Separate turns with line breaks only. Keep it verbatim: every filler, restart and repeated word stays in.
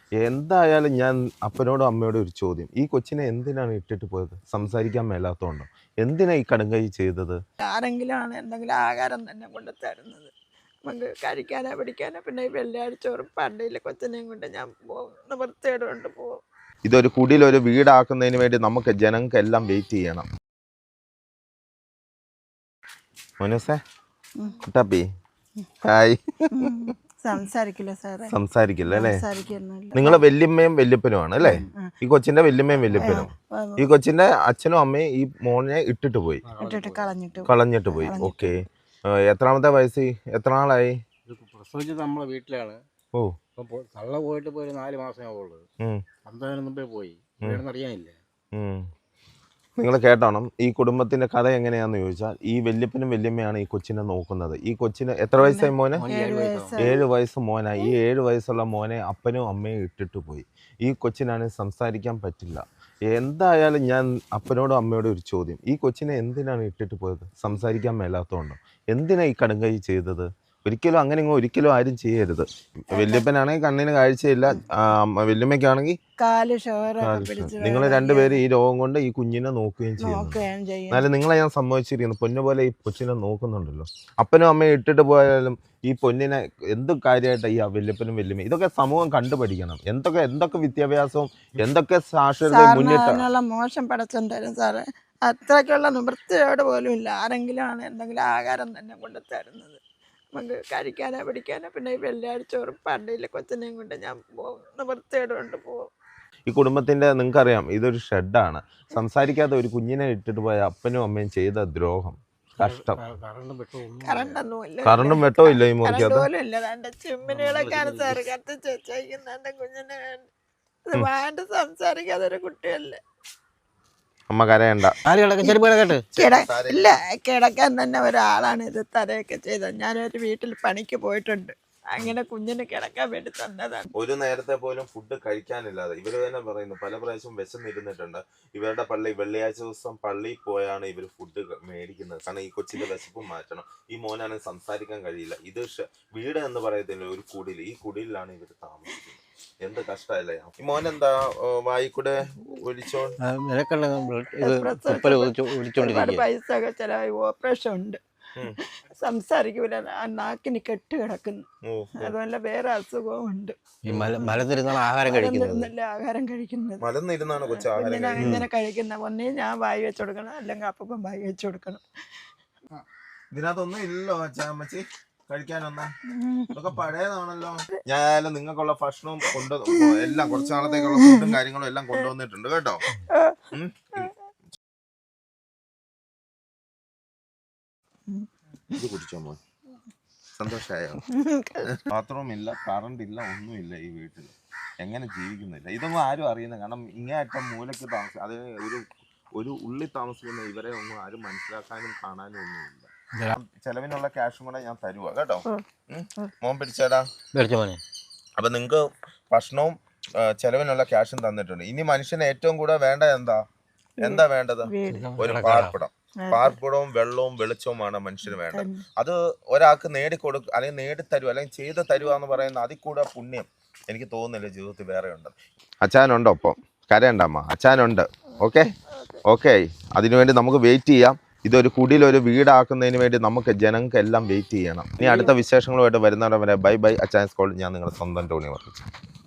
എന്തായാലും ഞാൻ അപ്പനോടും അമ്മയോടും ഒരു ചോദ്യം, ഈ കൊച്ചിനെ എന്തിനാണ് ഇട്ടിട്ട് പോയത്? സംസാരിക്കാൻ മേലാത്തതുകൊണ്ടോ? എന്തിനാ ഈ കടുങ്കൈ ചെയ്തത്?
ആരെങ്കിലും ആണ് എന്തെങ്കിലും ആഹാരം തന്നെ കൊണ്ട് തരുന്നത്, നമുക്ക് കഴിക്കാനോ പിടിക്കാനോ. പിന്നെ ഈ വെള്ളിയാഴ്ച ഒരു പള്ളിയിൽ കൊച്ചിനെയും കൊണ്ട് ഞാൻ പോകും, നിവൃത്തിയോട് കൊണ്ട് പോകും.
ഇതൊരു കുടിലൊരു വീടാക്കുന്നതിന് വേണ്ടി നമുക്ക് ജനങ്ങൾക്ക് എല്ലാം വെയിറ്റ് ചെയ്യണം. മോനൂസേ, കുട്ടാപ്പി, ഹായ്.
സംസാരിക്കില്ല സാറേ,
സംസാരിക്കില്ല അല്ലേ?
സംസാരിക്കുന്നില്ല.
നിങ്ങളെ വല്യമ്മയും വല്യപ്പനുമാണ് അല്ലേ? ഈ കൊച്ചിന്റെ വല്യമ്മയും വല്യപ്പനും. ഈ കൊച്ചിന്റെ അച്ഛനും അമ്മയും ഈ മോനെ ഇട്ടിട്ട് പോയി,
ഇട്ടിട്ട് കളഞ്ഞിട്ട്
കളഞ്ഞിട്ട് പോയി. ഓക്കെ. എത്രാമത്തെ വയസ്സ്? എത്ര നാളായി?
പ്രസവിച്ചത് നമ്മളെ വീട്ടിലാണ്.
ഓ,
തള്ള പോയിട്ട് പോയി നാല് മാസമേ ഉള്ളത്. അന്തതിന് മുമ്പേ പോയി, അറിയാനില്ല.
നിങ്ങൾ കേട്ടോണം, ഈ കുടുംബത്തിന്റെ കഥ എങ്ങനെയാന്ന് ചോദിച്ചാൽ, ഈ വല്യപ്പനും വല്യമ്മയാണ് ഈ കൊച്ചിനെ നോക്കുന്നത്. ഈ കൊച്ചിന് എത്ര വയസ്സായി മോനെ? ഏഴ് വയസ്സ് മോനായി. ഈ ഏഴ് വയസ്സുള്ള മോനെ അപ്പനും അമ്മയും ഇട്ടിട്ട് പോയി. ഈ കൊച്ചിനാണ് സംസാരിക്കാൻ പറ്റില്ല. എന്തായാലും ഞാൻ അപ്പനോടും അമ്മയോടും ഒരു ചോദ്യം, ഈ കൊച്ചിനെ എന്തിനാണ് ഇട്ടിട്ട് പോയത്? സംസാരിക്കാൻ മേലാത്തതുകൊണ്ടോ? എന്തിനാ ഈ കടുങ്കൈ ചെയ്തത്? ഒരിക്കലും അങ്ങനെ ഒരിക്കലും ആരും ചെയ്യരുത്. വല്യപ്പനാണെങ്കിൽ കണ്ണിന് കാഴ്ചയില്ല, വല്യമ്മയ്ക്കാണെങ്കിൽ നിങ്ങൾ രണ്ടുപേരും ഈ രോഗം കൊണ്ട് ഈ കുഞ്ഞിനെ നോക്കുകയും ചെയ്യുന്നു. എന്നാലും നിങ്ങളെ ഞാൻ സമ്മതിച്ചിരിക്കുന്നു, പൊന്നു പോലെ ഈ കൊച്ചിനെ നോക്കുന്നുണ്ടല്ലോ. അപ്പനും അമ്മയും ഇട്ടിട്ട് പോയാലും ഈ പൊന്നിനെ എന്ത് കാര്യമായിട്ട് ഈ വല്യപ്പനും വല്യമ്മയും ഇതൊക്കെ സമൂഹം കണ്ടുപഠിക്കണം. എന്തൊക്കെ എന്തൊക്കെ വിദ്യാഭ്യാസവും എന്തൊക്കെ സാക്ഷരതയും മുന്നിട്ട്.
മോശം പടച്ചൻ തരും സാറേ, അത്രയ്ക്കുള്ള നിവൃത്തിയോട് പോലും ഇല്ല. ആരെങ്കിലും ആണ് എന്തെങ്കിലും ആഹാരം തന്നെ കൊണ്ട് തരുന്നത്, നമുക്ക് കഴിക്കാനോ പിടിക്കാനോ. പിന്നെ ഈ വെള്ളിയാഴ്ച ഒരു പള്ളിയിൽ കൊച്ചിനെയും കൊണ്ട് ഞാൻ പോകും, നിവൃത്തിയോട് കൊണ്ട് പോകും.
ഈ കുടുംബത്തിന്റെ നിങ്ങൾക്കറിയാം, ഇതൊരു ഷെഡാണ്. സംസാരിക്കാതെ ഒരു കുഞ്ഞിനെ ഇട്ടിട്ട് പോയ അപ്പനും അമ്മയും ചെയ്ത ദ്രോഹം, കഷ്ടം.
കറണ്ടൊന്നുമില്ല,
കറണ്ടും വെട്ടോ ഇല്ല ഈ മുറിക്കകത്ത്.
പോലും ഇല്ല. എന്റെ ചിമ്മിനികളൊക്കെയാണ് സാറ് കത്തിച്ച് വെച്ചേക്കുന്നത്. എന്റെ കുഞ്ഞിനെ വേണ്ട, സംസാരിക്കാതെ ഒരു കുട്ടിയല്ലേ.
അമ്മ കരയണ്ട.
ഇല്ല, കിടക്കാൻ തന്നെ ഒരാളാണ് ഇത് തരയൊക്കെ ചെയ്തത്. ഞാനൊരു വീട്ടിൽ പണിക്ക് പോയിട്ടുണ്ട്, അങ്ങനെ കുഞ്ഞിന് കിടക്കാൻ വേണ്ടി തന്നതാണ്.
ഒരു നേരത്തെ പോലും ഫുഡ് കഴിക്കാനില്ലാതെ ഇവര് തന്നെ പറയുന്നു, പല പ്രാവശ്യം വിശന്നിരുന്നിട്ടുണ്ട്. ഇവരുടെ പള്ളി വെള്ളിയാഴ്ച ദിവസം പള്ളിയിൽ പോയാണ് ഇവർ ഫുഡ് മേടിക്കുന്നത്. കാരണം ഈ കൊച്ചിന്റെ വിശപ്പും മാറ്റണം. ഈ മോനാണെങ്കിൽ സംസാരിക്കാൻ കഴിയില്ല. ഇത് വീട് എന്ന് പറയത്തില്ല, ഒരു കുടിൽ. ഈ കുടിലാണ് ഇവർ താമസിക്കുന്നത്. എന്ത് കഷ്ടല്ലേ. ഈ മോനെന്താ വായിക്കൂടെ ഒലിച്ചോ?
പൈസ ഒക്കെ ചെലവായി, ഓപ്പറേഷൻ ഉണ്ട്, സംസാരിക്കൂല, നാക്കിന് കെട്ട് കിടക്കുന്നു. അതുപോലെ വേറെ അസുഖവും ഉണ്ട്.
ആഹാരം
ആഹാരം കഴിക്കുന്നത്
കുഞ്ഞിനെ
ഇങ്ങനെ കഴിക്കുന്ന ഒന്നേ ഞാൻ വായി വെച്ച് കൊടുക്കണം, അല്ലെങ്കിൽ അപ്പം വായി വെച്ച് കൊടുക്കണം.
ഇതിനകത്തൊന്നും ഇല്ലല്ലോ അച്ഛാമ്മച്ചി കഴിക്കാനൊന്നും. ഇതൊക്കെ പഴയതാണല്ലോ. ഞാനും നിങ്ങൾക്കുള്ള ഭക്ഷണവും കൊണ്ട് എല്ലാം കുറച്ചു നാളത്തേക്കുള്ള ഫുഡും കാര്യങ്ങളും എല്ലാം കൊണ്ടുവന്നിട്ടുണ്ട് കേട്ടോ. ഇത് കുടിച്ചോ മോൻ, സന്തോഷായോ? ബാത്റൂം ഇല്ല, കറണ്ട് ഇല്ല, ഒന്നുമില്ല ഈ വീട്ടിൽ. എങ്ങനെ ജീവിക്കുന്നില്ല ഇതൊന്നും ആരും അറിയുന്നില്ല. കാരണം ഇങ്ങേയറ്റം മൂലയ്ക്ക് താമസിക്കും, അത് ഒരു ഒരു ഉള്ളിൽ താമസിക്കുന്ന ഇവരെ ഒന്നും ആരും മനസ്സിലാക്കാനും കാണാനും ഒന്നുമില്ല. ചെലവിനുള്ള ക്യാഷും കൂടെ ഞാൻ തരുവാ കേട്ടോ. മോൻ പിടിച്ചേടാ. അപ്പൊ നിങ്ങക്ക് ഭക്ഷണവും ചെലവിനുള്ള ക്യാഷും തന്നിട്ടുണ്ട്. ഇനി മനുഷ്യന് ഏറ്റവും കൂടുതൽ വേണ്ട എന്താ എന്താ വേണ്ടത്? ഒരു പാർപ്പിടം. പാർപ്പിടവും വെള്ളവും വെളിച്ചവുമാണ് മനുഷ്യന് വേണ്ടത്. അത് ഒരാൾക്ക് നേടിക്കൊടുക്കുക അല്ലെങ്കിൽ നേടിത്തരുക അല്ലെങ്കിൽ ചെയ്ത് തരുക എന്ന് പറയുന്ന അതിൽ കൂടെ പുണ്യം എനിക്ക് തോന്നുന്നില്ല ജീവിതത്തിൽ വേറെ ഉണ്ട്. അച്ഛനുണ്ടോ? ഒപ്പം കരയണ്ടമ്മ, അച്ഛനുണ്ട്. ഓക്കെ ഓക്കെ അതിനുവേണ്ടി നമുക്ക് വെയിറ്റ് ചെയ്യാം. ഇതൊരു കുടിലൊരു വീടാക്കുന്നതിന് വേണ്ടി നമുക്ക് ജനങ്ങൾക്ക് എല്ലാം വെയിറ്റ് ചെയ്യണം. ഇനി അടുത്ത വിശേഷങ്ങളുമായിട്ട് വരുന്നവരെ ബൈ ബൈ. അച്ചായൻസ് കോൾ. ഞാൻ നിങ്ങളുടെ സ്വന്തം ടോണി വർക്കിച്ചു.